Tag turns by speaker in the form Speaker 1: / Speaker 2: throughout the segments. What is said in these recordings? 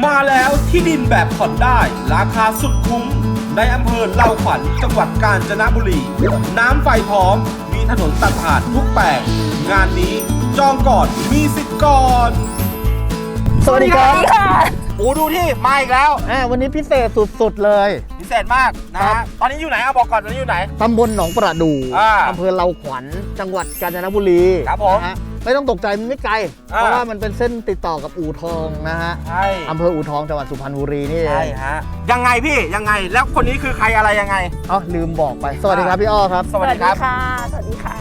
Speaker 1: มาแล้วที่ดินแบบผ่อนได้ราคาสุดคุ้มในอำเภอเลาขวัญจังหวัดกาญจนบุรีน้ำไฟพร้อมมีถนนตัดผ่านทุกแปลงงานนี้จองก่อนมีสิทธิ์ก่อน
Speaker 2: สวัสดีครับ
Speaker 1: ปูดูที่มาอีกแล้ว
Speaker 2: วันนี้พิเศษสุดๆเลย
Speaker 1: พิเศษมากนะฮะตอนนี้อยู่ไหนเอาบอกก่อนตอนนี้อยู่ไหน
Speaker 2: ตำบลหนองประดู่
Speaker 1: อ่า
Speaker 2: อำเภอเลาขวัญจังหวัดกาญจนบุรี
Speaker 1: ครับผม
Speaker 2: นะฮะไม่ต้องตกใจมันไม่ไกล
Speaker 1: อ่า
Speaker 2: เพราะว่ามันเป็นเส้นติดต่อกับอู่ทองนะฮะ
Speaker 1: ใช่
Speaker 2: อำเภออู่ทองจังหวัดสุพรรณบุรีนี่เอ
Speaker 1: ใช่
Speaker 2: ง
Speaker 1: ฮะยังไงพี่ยังไงแล้วคนนี้คือใครอะไรยังไง
Speaker 2: อ๋อลืมบอกไป สวัสดีครับพี่อ้อครับ
Speaker 1: สวัสดีครับ
Speaker 3: สวัสดีค่ะ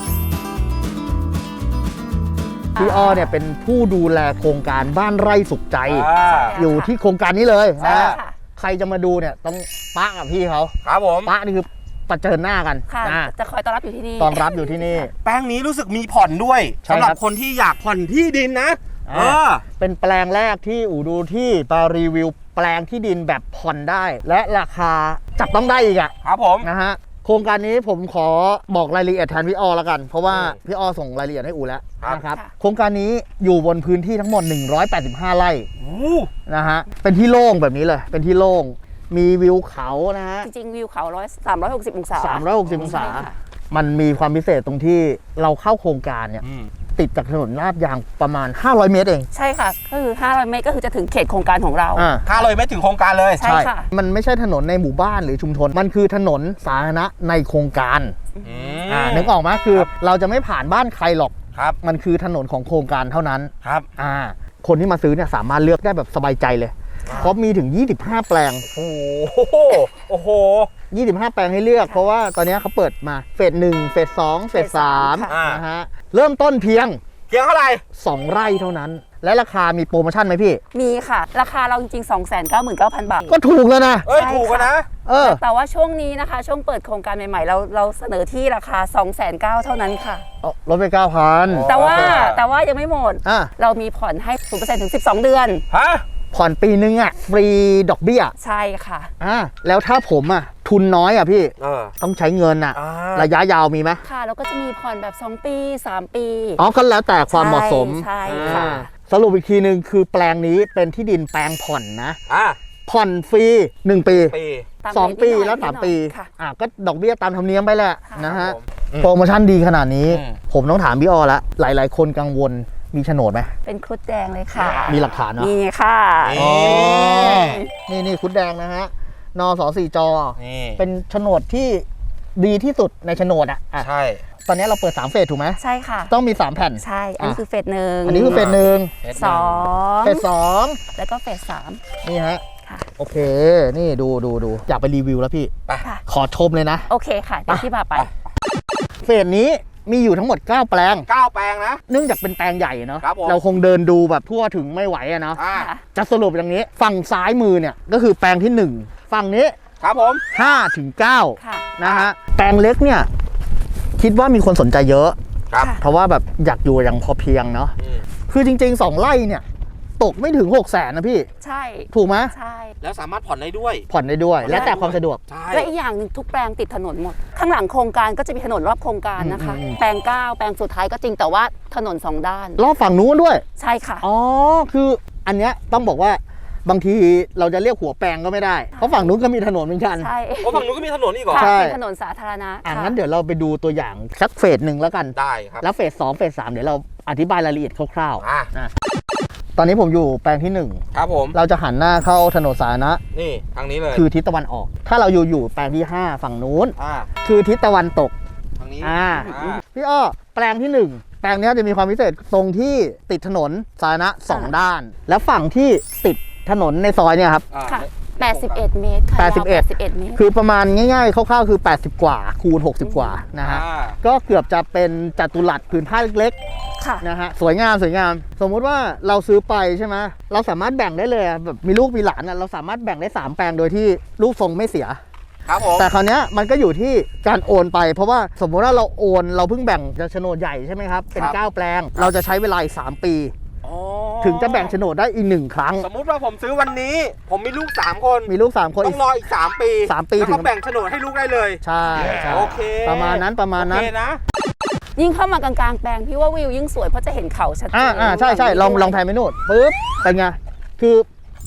Speaker 2: พี่อ้อเนี่ยเป็นผู้ดูแลโครงการบ้านไร่สุขใจ
Speaker 1: อ่า
Speaker 2: อยู่ที่โครงการนี้เลย
Speaker 3: ใช่
Speaker 2: นะฮะ
Speaker 3: ค่ะ
Speaker 2: ใครจะมาดูเนี่ยต้องปะกับพี่เขา
Speaker 1: ครับผม
Speaker 2: ปะนี่คือประเจิญหน้ากัน
Speaker 3: ค่ะ
Speaker 2: นะ
Speaker 3: จะคอยต้อนรับอยู่ที่นี่
Speaker 2: ตอนรับอยู่ที่นี่
Speaker 1: แป้งนี้รู้สึกมีผ่อนด้วย
Speaker 2: ใช่
Speaker 1: สำหรับ
Speaker 2: ครับ
Speaker 1: คนที่อยากผ่อนที่ดินนะ
Speaker 2: อ่า เป็นแปลงแรกที่อู่ดูที่มารีวิวแปลงที่ดินแบบผ่อนได้ และราคาจับต้องได้อีกอะ
Speaker 1: ครับผม
Speaker 2: นะฮะโครงการนี้ผมขอบอกรายละเอียดแทนพี่อ้อแล้วกัน เพราะว่า
Speaker 1: อืม
Speaker 2: พี่อ้อส่งรายละเอียดให้อู่แล้ว
Speaker 1: ครับ
Speaker 2: นะครับโครงการนี้อยู่บนพื้นที่ทั้งหมด 185 ไร่
Speaker 1: โอ้
Speaker 2: นะฮะเป็นที่โล่งแบบนี้เลยเป็นที่โล่งมีวิวเขานะฮะ
Speaker 3: จริงๆ วิวเขา360 องศา
Speaker 2: 360 องศา
Speaker 3: ใช่ค่ะ
Speaker 2: มันมีความพิเศษตรงที่เราเข้าโครงการเนี่ย
Speaker 1: อืม
Speaker 2: ติดจากถนนลาดยางประมาณ 500 เมตรเอง
Speaker 3: ใช่ค่ะ ก็คือ500 เมตรก็คือจะถึงเขตโครงการของเรา
Speaker 2: อ่า
Speaker 1: ถ้าเลยไม่ถึงโครงการเลย
Speaker 3: ใช่ค่ะ
Speaker 2: มันไม่ใช่ถนนในหมู่บ้านหรือชุมชน มันคือถนนสาธารณะในโครงการ
Speaker 1: อืม
Speaker 2: นึกออกไหมคือเราจะไม่ผ่านบ้านใครหรอก
Speaker 1: ครับ
Speaker 2: มันคือถนนของโครงการเท่านั้น
Speaker 1: ครับ
Speaker 2: คนที่มาซื้อเนี่ยสามารถเลือกได้แบบสบายใจเลย เพราะมีถึง 25 แปลง
Speaker 1: โอ้โหโอ้โห
Speaker 2: 25 แปลงให้เลือก เพราะว่าตอนนี้เขาเปิดมาเฟส1เฟส2เฟส
Speaker 3: ค่ะ
Speaker 2: 3นะฮะ เริ่มต้นเพียง
Speaker 1: เพียงเท่าไหร่
Speaker 2: 2 ไร่เท่านั้น และราคามีโปรโมชั่นไหมพี่
Speaker 3: มีค่ะ ราคาเราจริงๆ 299,000 บาท
Speaker 2: ก็ถูกแล้วนะ
Speaker 1: เอ้ย
Speaker 3: ใช่
Speaker 1: ถูกกันนะ
Speaker 2: เออ
Speaker 3: แต่ว่าช่วงนี้นะคะ ช่วงเปิดโครงการใหม่ๆ เราเสนอที่ราคา 209,000 เท่านั้นค่ะ
Speaker 2: ลดไป 9,000
Speaker 3: แต่ว่า
Speaker 1: โอเคค่ะ
Speaker 3: แต่ว่ายังไม่หมด
Speaker 2: อ่ะ
Speaker 3: เรามีผ่อนให้ 0% ถึง 12 เดือน
Speaker 1: ฮะ
Speaker 2: ผ่อนปีนึงอ่ะฟรีดอกเบี้ย
Speaker 3: ใช่ค่ะ
Speaker 2: แล้วถ้าผมอ่ะทุนน้อยอ่ะพี่
Speaker 1: เออ
Speaker 2: ต้องใช้เงินอ่ะ
Speaker 1: อ่า
Speaker 2: ระยะยาวมีไหม
Speaker 3: ค่ะ แล้วก็จะมีผ่อนแบบ 2 ปี 3 ปี
Speaker 2: อ๋อก็แล้วแต่ความเหมาะสม
Speaker 3: ใช่ค่ะ
Speaker 2: สรุปอีกทีหนึ่งคือแปลงนี้เป็นที่ดินแปลงผ่อนนะ
Speaker 1: อ่ะ
Speaker 2: ผ่อนฟรี 1 ปี
Speaker 1: ปี
Speaker 3: ตาม
Speaker 2: 2 ปี
Speaker 3: นิดหน่อย
Speaker 2: แล้ว
Speaker 3: นิดหน่อย
Speaker 2: 3 ปี
Speaker 3: ค่ะ
Speaker 2: ก็ดอกเบี้ยตามธรรมเนียมไปแหละ
Speaker 3: ค่ะ
Speaker 2: นะฮะ
Speaker 1: อืม
Speaker 2: โปรโมชั่นดีขนาดนี้
Speaker 1: อืม
Speaker 2: ผมต้องถามพี่อ้อละหลายๆ คนกังวลมีโฉนดไหม
Speaker 3: เป็นครุฑแดงเลยค่ะ
Speaker 2: มีหลักฐานเนาะ
Speaker 3: นี่ค่ะ
Speaker 1: อ๋อ
Speaker 2: นี่คุดแดงนะฮะนส4จ
Speaker 1: นี่
Speaker 2: เป็นโฉนดที่ดีที่สุดในโฉนดอ่ะ
Speaker 1: ใช่
Speaker 2: ตอนนี้เราเปิด3เฟสถูกไหม
Speaker 3: ใช่ค่ะ
Speaker 2: ต้องมี3แผ่น
Speaker 3: ใช่ อันนี้คือเฟสหนึ่ง
Speaker 2: อันนี้คือเฟสหนึ่ง
Speaker 3: สอง
Speaker 2: เฟสสอง
Speaker 3: แล้วก็เฟสสาม
Speaker 2: นี่ฮะ
Speaker 3: ค่ะ
Speaker 2: โอเค นี่ดูอยากไปรีวิวแล้วพี่
Speaker 3: ค่ะ
Speaker 2: ขอชมเลยนะ
Speaker 3: โอเคค่ะ เดี๋ยวที่พาไป
Speaker 2: เฟสนี้มีอยู่ทั้งหมด 9 แปลง
Speaker 1: 9 แปลงนะ
Speaker 2: เนื่องจากเป็นแปลงใหญ่เนาะ
Speaker 1: ครับผม
Speaker 2: เราคงเดินดูแบบทั่วถึงไม่ไหวอะเนาะ
Speaker 1: อ่า
Speaker 3: ค่ะ
Speaker 2: จะสรุปอย่างนี้ ฝั่งซ้ายมือเนี่ยก็คือแปลงที่ 1 ฝั่งนี้
Speaker 1: ครับผม
Speaker 2: 5 ถึง 9
Speaker 3: ค่ะ
Speaker 2: นะฮะ แปลงเล็กเนี่ย คิดว่ามีคนสนใจเยอะ
Speaker 1: ครับ
Speaker 3: ค่ะ
Speaker 2: เพราะว่าแบบอยากอยู่อย่างพอเพียงเนาะ
Speaker 1: อืม
Speaker 2: คือจริง ๆ 2 ไร่เนี่ย ตกไม่ถึง 600,000นะพี่
Speaker 3: ใช่
Speaker 2: ถูกไหม
Speaker 3: ใช่
Speaker 1: แล้วสามารถผ่อนได้ด้วย
Speaker 2: ผ่อนได้ด้วย แล้วแต่ความสะดวก
Speaker 1: ใช่
Speaker 3: และอีกอย่างหนึ่งทุกแปลงติดถนนหมด ข้างหลังโครงการก็จะมีถนนรอบโครงการนะคะ แปลง9แปลงสุดท้ายก็จริงแต่ว่าถนน 2 ด้าน
Speaker 2: รอบฝั่งนู้นด้วย
Speaker 3: ใช่ค่ะ
Speaker 2: อ๋อ คืออันเนี้ยต้องบอกว่าบางทีเราจะเรียกหัวแปลงก็ไม่ได้ เพราะฝั่งนู้นก็มีถนนเหมือนกัน
Speaker 3: ใช่
Speaker 1: โอ้ฝั่งนู้นก็มีถนนอีกเหรอ
Speaker 3: ค่ะ
Speaker 2: ใช่
Speaker 3: เป็นถนนสาธารณะค่ะ
Speaker 2: งั้นเดี๋ยวเราไปดูตัวอย่างสักเฟสหนึ่งแล้วกัน
Speaker 1: ได้ครับ
Speaker 2: แล้วเฟส2เฟส3เดี๋ยวเราอธิบายรายละเอียดคร่าว
Speaker 1: อ่ะ
Speaker 2: ๆนะตอนนี้ผมอยู่แปลงที่
Speaker 1: ครับผม
Speaker 2: 1 เราจะหันหน้าเข้าถนนสาธารณะ
Speaker 1: นี่ทางนี้เลย
Speaker 2: คือทิศตะวันออก ถ้าเราอยู่แปลงที่ 5 ฝั่งนู้น
Speaker 1: อ่า
Speaker 2: คือทิศตะวันตก
Speaker 1: ทางนี้
Speaker 2: อ่า
Speaker 1: อ่า
Speaker 2: พี่อ้อแปลงที่ 1 แปลงเนี้ยจะมีความพิเศษตรงที่ติดถนนสาธารณะ2 ด้าน และฝั่งที่ติดถนนในซอยเนี่ยครับ
Speaker 1: อ่า
Speaker 3: ค่ะ81 เมตรค่ะยาว
Speaker 2: 81
Speaker 3: 81 เมตร
Speaker 2: คือประมาณง่ายๆคร่าวๆคือ 80 กว่าคูณ 60 กว่านะฮะ
Speaker 1: อ่า
Speaker 2: ก็เกือบจะเป็นจัตุรัสผืนผ้าเล็ก
Speaker 3: ค่ะ
Speaker 2: ๆนะฮะสวยงามสวยงาม สมมุติว่าเราซื้อไปใช่ไหมเราสามารถแบ่งได้เลยอะแบบมีลูกมีหลานอะเราสามารถแบ่งได้ 3 แปลงโดยที่ลูกทรงไม่เสีย
Speaker 1: ครับผม
Speaker 2: แต่คราวเนี้ยมันก็อยู่ที่การโอนไป เพราะว่าสมมติว่าเราโอนเราเพิ่งแบ่งจะโฉนดใหญ่ใช่ไหมครับเป็น 9 แปลง เราจะใช้เวลาอีก3 ปี
Speaker 1: อ๋อ
Speaker 2: ถึงจะแบ่งโฉนดได้อีก1 ครั้ง
Speaker 1: สมมุติว่าผมซื้อวันนี้ ผมมีลูก 3 คน
Speaker 2: มีลูก3 คน
Speaker 1: ต้
Speaker 2: อี
Speaker 1: อก งรออีก 3 ปี
Speaker 2: 3 ปี
Speaker 1: แล้ว
Speaker 2: ถึ
Speaker 1: ก็
Speaker 2: ง
Speaker 1: แบ่งโฉนดให้ลูกได้เลย
Speaker 2: ใช่ใช่
Speaker 1: โอเค
Speaker 2: ประมาณนั้น
Speaker 1: โอเคนะ
Speaker 3: ยิ่งเข้ามากลางๆแปลงพี่ว่าวิวยิ่งสวยเพราะจะเห็นเขาชัดเจน
Speaker 2: ใช่ลองแพนไปนู่นปุ๊บเป็นไงคือ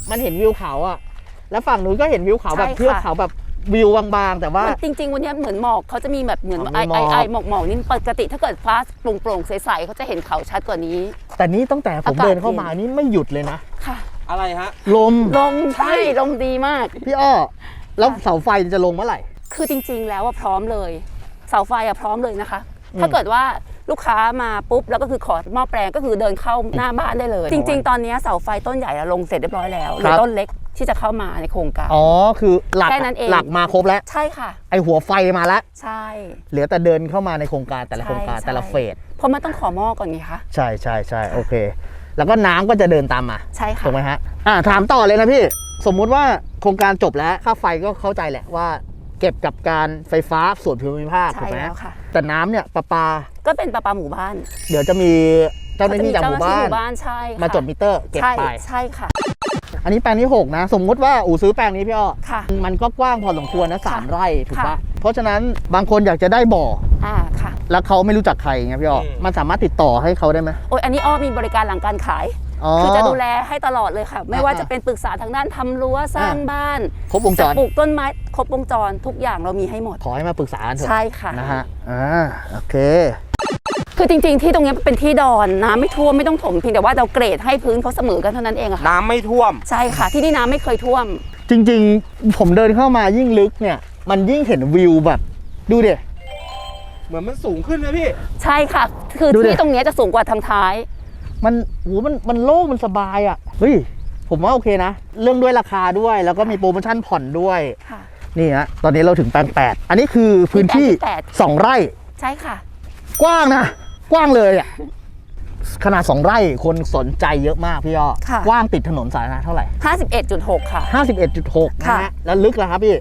Speaker 2: มันเห็นวิวเขาอะแล้วฝั่งนู้นก็เห็นวิวเขาแบบ
Speaker 3: ใช่ค่ะ
Speaker 2: เทือกเขาแบบวิวบางๆแต่ว่า
Speaker 3: จริงๆวันนี้เหมือนหมอกเขาจะมีแบบเหมือน
Speaker 2: อ๋อ
Speaker 3: ไอ
Speaker 2: มีหมอก
Speaker 3: ไอหมอกนี่ปกติถ้าเกิดฟ้าโปร่งๆใสๆเขาจะเห็นเขาชัดกว่านี้
Speaker 2: แต่นี้ตั้งแต่ผม
Speaker 3: อากาศ
Speaker 2: เดินเข้ามานี่ไม่หยุดเลยนะ
Speaker 3: ค่ะ
Speaker 1: อะไรฮะ
Speaker 2: ลม
Speaker 3: ลมใช่ลมดีมาก
Speaker 2: พี่อ้อแล้วเสาไฟจะลงเมื่อไหร่
Speaker 3: คือจริงๆแล้วว่าพร้อมเลยเสาไฟอะพร้อมเลยนะคะ
Speaker 2: อืม
Speaker 3: ถ้าเกิดว่าลูกค้ามาปุ๊บแล้วก็คือขอหม้อแปลงก็คือเดินเข้าหน้าบ้านได้เลย จริง ๆ ตอนนี้เสาไฟต้นใหญ่อะลงเสร็จเรียบร้อยแล้วเหลือต้นเล็กที่จะเข้ามาในโครงการ
Speaker 2: อ๋อคือหลัก
Speaker 3: แค่นั้นเอง
Speaker 2: หลักมาครบแล้ว
Speaker 3: ใช่ค่ะ
Speaker 2: ไอหัวไฟมาแล้ว
Speaker 3: ใช่
Speaker 2: เหลือแต่เดินเข้ามาในโครงการแต่ละโครงการ
Speaker 3: ใช่
Speaker 2: แต่ละเฟส
Speaker 3: เพราะมันต้องขอหม้อก่อนไงคะ
Speaker 2: ใช่โอเค แล้วก็น้ำก็จะเดินตามมา
Speaker 3: ใช่ค่ะ
Speaker 2: ถูกไหมฮะถามต่อเลยนะพี่สมมุติว่าโครงการจบแล้วค่าไฟก็เข้าใจแหละว่า เก็บกับการไฟฟ้าส่วนภูมิภาคถู
Speaker 3: ใช่
Speaker 2: กไหม
Speaker 3: แล้วค่ะ
Speaker 2: แต่น้ำเนี่ยประปา
Speaker 3: ก็เป็นประปาหมู่บ้าน
Speaker 2: เดี๋ยวจะมีเจ้าหน้าที่จากหมู่บ้าน
Speaker 3: ใช่ค่ะ
Speaker 2: มาจดมิเตอร์เก็บ
Speaker 3: ใช่
Speaker 2: ไป
Speaker 3: ใช่ค่ะ
Speaker 2: อันนี้แปลงที่ 6 นะ สมมุติว่าอู่ซื้อแปลงนี้พี่อ้อ
Speaker 3: ค่ะ
Speaker 2: มันก็กว้างพอสมควรนะ
Speaker 3: ค่ะ
Speaker 2: 3 ไร่ถูกปะ
Speaker 3: ค่ะ
Speaker 2: เพราะฉะนั้นบางคนอยากจะได้บ่อ
Speaker 3: ค่ะ
Speaker 2: แล้วเขาไม่รู้จักใครไงพี่อ้อ
Speaker 1: อืม
Speaker 2: มันสามารถติดต่อให้เขาได้ไหม
Speaker 3: โอ้ยอันนี้อ้อมีบริการหลังการขาย
Speaker 2: อ๋อ
Speaker 3: คือจะดูแลให้ตลอดเลยค่ะ ไม่ว่าจะเป็นปรึกษาทางด้านทำรั้วสร้างบ้าน
Speaker 2: ครบวงจ
Speaker 3: จะ
Speaker 2: ร
Speaker 3: ปลูกต้นไม้ครบวงจรทุกอย่างเรามีให้หมด
Speaker 2: ขอให้มาปรึกษากันเถอะ
Speaker 3: ใช่ค่ะ
Speaker 2: นะฮะโอเค
Speaker 3: คือจริงๆที่ตรงนี้เป็นที่ดอนน้ำไม่ท่วมไม่ต้องถมเพียงแต่ว่าเราเกรดให้พื้นเขาเสมอกันเท่านั้นเองอะค่ะ
Speaker 1: น้ำไม่ท่วม
Speaker 3: ใช่ค่ะ ที่นี่น้ำไม่เคยท่วม
Speaker 2: จริงๆ ผมเดินเข้ามายิ่งลึกเนี่ย มันยิ่งเห็นวิวแบบ ดูดิ
Speaker 1: เหมือนมันสูงขึ้นนะพี่
Speaker 3: ใช่ค่ะ คือ
Speaker 2: ดูดิ
Speaker 3: ที่ตรงนี้จะสูงกว่าทางท้าย
Speaker 2: มันโล่งมันสบายอ่ะ เฮ้ย ผมว่าโอเคนะ เรื่องด้วยราคาด้วย แล้วก็มีโปรโมชั่นผ่อนด้วย
Speaker 3: ค่ะ
Speaker 2: นี่ฮะ ตอนนี้เราถึงแปลง 8 อันนี้คือพื้นที่
Speaker 3: แปลงที่
Speaker 2: 2 ไร่
Speaker 3: ใช่ค่ะ
Speaker 2: กว้างนะ กว้างเลยอ่ะ ขนาด 2 ไร่คนสนใจเยอะมากพี่อ้อ
Speaker 3: ค่ะ
Speaker 2: กว้างติดถนนสาธารณะเท่าไหร่
Speaker 3: 51.6 ค่ะ
Speaker 2: 51.6 นะ
Speaker 3: ค่ะ
Speaker 2: ฮะ แล้วลึกล่ะครับพี่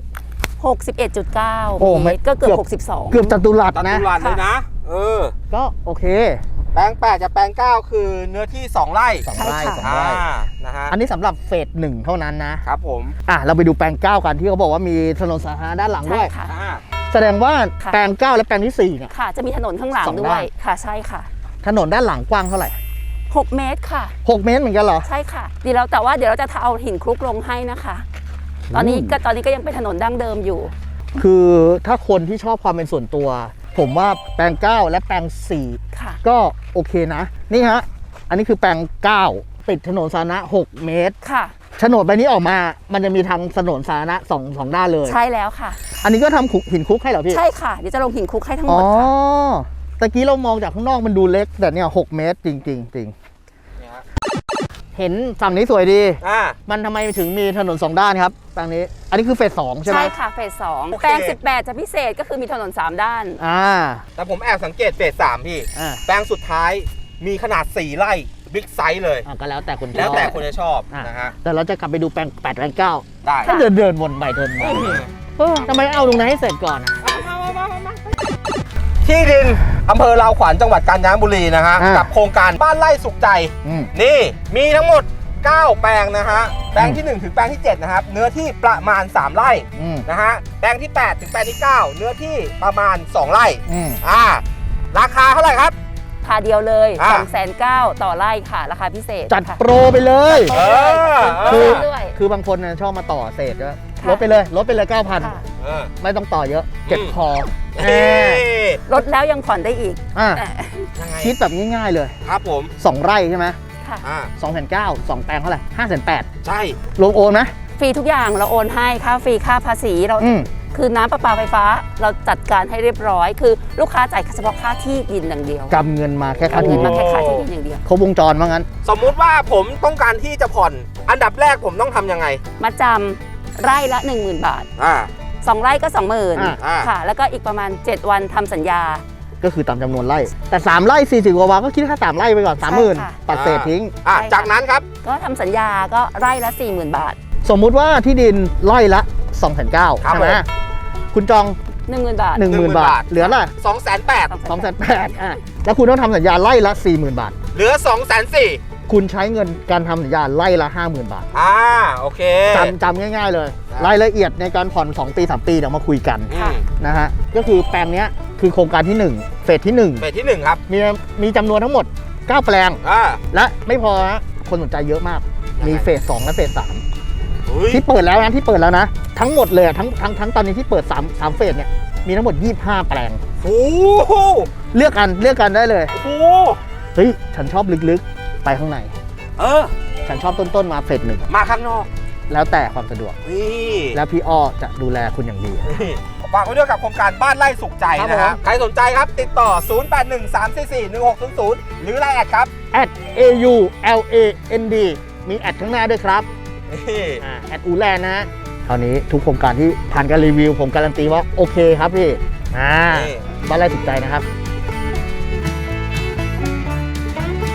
Speaker 3: 61.9
Speaker 2: โอ้ไม่
Speaker 3: เมตรก็เกือบ
Speaker 2: เกือบจัตุรัส
Speaker 1: ตัด
Speaker 2: นะ
Speaker 1: ตุลันเลยนะ
Speaker 2: ก็โอเค
Speaker 1: แปลง8กับแปลง9คือเนื้อที่ 2 ไร่
Speaker 2: 2
Speaker 3: ใช่
Speaker 2: ไร่
Speaker 3: ค่ะ
Speaker 2: 2 ไร่
Speaker 1: นะฮะ
Speaker 2: อันนี้สำหรับเฟส 1 เท่านั้นนะ
Speaker 1: ครับผม
Speaker 2: เราไปดูแปลง 9 กันที่เขาบอกว่ามีถนนสาธารณะด้านหลัง
Speaker 3: ใช่
Speaker 2: ด้วย
Speaker 3: ค่ะ
Speaker 2: แสดงว่า
Speaker 3: ค่ะ
Speaker 2: แปลง 9 และแปลงที่ 4 เนี่ย
Speaker 3: ค่ะ จะมีถนนข้างหลัง
Speaker 2: สอง
Speaker 3: ด้
Speaker 2: ด้า
Speaker 3: วน ย ค่ะ ใช่ค่ะ
Speaker 2: ถนนด้านหลังกว้างเท่าไหร่
Speaker 3: 6 เมตรค่ะ
Speaker 2: 6 เมตรเหมือนกันเหรอ
Speaker 3: ใช่ค่ะเดี๋ยวเราจะเอาหินคลุกลงให้นะคะ ตอนนี้ก็ยังเป็นถนนดั้งเดิมอยู่
Speaker 2: คือถ้าคนที่ชอบความเป็นส่วนตัว ผมว่าแปลง 9 และแปลง
Speaker 3: ค่ะ
Speaker 2: 4 ก็โอเคนะ นี่ฮะ อันนี้คือแปลง 9 ติดถนนสาธารณะ 6 เมตร
Speaker 3: ค่ะ
Speaker 2: โฉนดใบนี้ออกมา มันจะมีทางถนนสาธารณะสองด้านเลย
Speaker 3: ใช่แล้วค่ะ
Speaker 2: อันนี้ก็ทำหินคลุกให้เหรอพี่
Speaker 3: ใช่ค่ะ เดี๋ยวจะลงหินคลุกให้ทั้งห
Speaker 2: อ๋
Speaker 3: ม
Speaker 2: อ
Speaker 3: ดค่ะ
Speaker 2: ตะกี้เรามองจากข้างนอกมันดูเล็ก แต่เนี่ย 6 เมตรจริง เห็นฝั่งนี้สวยดี มันทำไมถึงมีถนน 2 ด้านครับแปลงนี้ อันนี้คือเฟส 2 ใช่ไหม
Speaker 3: ใช่ค่ะ เฟส
Speaker 1: โอ
Speaker 3: 2
Speaker 1: เค
Speaker 3: แปลง 18 จะพิเศษก็คือมีถนน 3 ด้าน
Speaker 1: แต่ผมแอบสังเกตเฟส3พี่
Speaker 2: อ่า
Speaker 1: แปลงสุดท้ายมีขนาด 4 ไร่บิ๊กไซส์เลย
Speaker 2: ก็แล้วแต่คนชอบ
Speaker 1: แล้วแต่คนจะชอบ
Speaker 2: อ่ะ
Speaker 1: นะฮะ
Speaker 2: แต่เราจะกลับไปดูแปลง 8 แปลง 9
Speaker 1: ได้
Speaker 2: ถ้าเดินวนไปเดินมาทำไมเอาตรงนั้นให้เสร็จก่อนอะ
Speaker 1: ที่ดินอำเภอลาวขวัญจังหวัดกาญจนบุรีนะฮะ
Speaker 2: อ่ากั
Speaker 1: กับโครงการบ้านไร่สุขใจ
Speaker 2: อืม
Speaker 1: นี่มีทั้งหมด 9 แปลงนะฮะ แปลงที่ 1 ถึงแปลงที่ 7 นะครับ เนื้อที่ประมาณ 3 ไร่
Speaker 2: อืม
Speaker 1: นะฮะ แปลงที่ 8 ถึงแปลงที่ 9 เนื้อที่ประมาณ 2 ไร่
Speaker 2: อืม
Speaker 1: ราคาเท่าไหร่ครับ
Speaker 3: พาเดียวเลย
Speaker 1: อ่า
Speaker 3: 209,000ต่อไร่ค่ะ ราคาพิเศษ
Speaker 2: จัด
Speaker 3: ค่ะ
Speaker 2: โปรไปเลย
Speaker 1: เออ
Speaker 2: คือ
Speaker 3: ด้วย
Speaker 2: คือบางคนน่ะชอบมาต่อเศษก็
Speaker 3: ค่ะ
Speaker 2: ลดไปเลย
Speaker 3: ค่ะ
Speaker 2: 9,000 ไม่ต้องต่อเยอะ เก็บพอ
Speaker 1: เอ้ย
Speaker 3: ลดแล้วยังผ่อนได้อีก
Speaker 2: อ่ะ
Speaker 3: แต่
Speaker 1: ยังไง
Speaker 2: คิดแบบง่ายๆเลย
Speaker 1: ครับผม
Speaker 2: 2 ไร่ใช่ไหม
Speaker 3: ค่ะ
Speaker 2: 2,900 2 แปลงเท่าไหร่5,800
Speaker 1: ใช่
Speaker 2: รวมโอนไหม
Speaker 3: ฟรีทุกอย่างเราโอนให้ค่าฟรีค่าภาษีเรา
Speaker 2: อืม
Speaker 3: คือน้ำประปาไฟฟ้าเราจัดการให้เรียบร้อย คือลูกค้าจ่ายเฉพาะค่าที่ดินอย่างเดียว
Speaker 2: กำเงินมาแค่ค่า
Speaker 3: เอา
Speaker 2: ที่
Speaker 3: เงิน
Speaker 2: ดิ
Speaker 3: มาน แค่ค่าที่ดินอย่างเดียว
Speaker 2: ครบวงจรว่างั้น
Speaker 1: สมมุติว่าผมต้องการที่จะผ่อน อันดับแรกผมต้องทำยังไง
Speaker 3: มาจำไร่ละ 10,000 บาท
Speaker 1: อ่า
Speaker 3: 2 ไร่ก็
Speaker 1: อ่า
Speaker 3: 20,000ค่ะ แล้วก็อีกประมาณ 7 วันทำสัญญา
Speaker 2: ก็คือตามจำนวนไร่ แต่ 3 ไร่ 40 กว่าวันก็คิดแค่3 ไร่ไปก่อน
Speaker 3: ใช่ค่ะ
Speaker 2: 30,000 ตัดเศษทิ้ง
Speaker 3: ใช่ค่ะ
Speaker 1: จากนั้นครับ
Speaker 3: ก็ทำสัญญาก็ไร่ละ 40,000 บาท
Speaker 2: สมมุติว่าที่ดินไร่ละ 2,900
Speaker 1: ครับ
Speaker 2: ใช่ไหม
Speaker 1: ผม
Speaker 2: คุณจอง
Speaker 3: 10,000 บาท
Speaker 2: 10,000 บาท เหลือละ
Speaker 1: 280,000
Speaker 2: 2,800แล้วคุณต้องทำสัญญาไร่ละ 40,000 บาท
Speaker 1: เหลือ 240,000
Speaker 2: คุณใช้เงินการทำสัญญาไร่ละ 50,000 บาท
Speaker 1: โอเค
Speaker 2: จำง่ายๆเลย
Speaker 1: ครับ
Speaker 2: รายละเอียดในการผ่อน 2 ปี 3 ปีเดี๋ยวมาคุยกัน
Speaker 1: อืม
Speaker 2: นะฮะ ก็คือแปลงเนี้ยคือโครงการที่ 1 เฟสที่
Speaker 1: เฟสที่ 1 ครับ
Speaker 2: 1 มีจำนวนทั้งหมด 9 แปลง
Speaker 1: อ่า
Speaker 2: และไม่พอนะคนสนใจเยอะมากมีเฟส2และเฟส3ที่เปิดแล้วนะทั้งหมดเลยทั้งตอนนี้ที่เปิด3เฟสเนี่ยมีทั้งหมด25แปลง
Speaker 1: โอ้โห
Speaker 2: เลือกกันได้เลย
Speaker 1: โอ้โห
Speaker 2: เฮ้ยฉันชอบลึกๆไปข้างใน ฉันชอบต้นมาเฟส1
Speaker 1: มาข้างนอก
Speaker 2: แล้วแต่ความสะดวก
Speaker 1: นี่
Speaker 2: แล้วพี่อ้อจะดูแลคุณอย่างดี
Speaker 1: ฝากไว้ด้วยกับโครงการบ้านไร่สุขใจ
Speaker 2: ครับ
Speaker 1: นะฮะ
Speaker 2: ผม
Speaker 1: ใครสนใจครับติดต่อ 0813441600 หรือไลน์แอดครับ
Speaker 2: @AULAND มีแอดข้างหน้าด้วยครับ
Speaker 1: นี่
Speaker 2: แอดอูแลนนะคราวนี้ทุกโครงการที่ผ่านการรีวิวผมการันตีว่าโอเคครับพี่บ้านไร่สุขใจนะครับ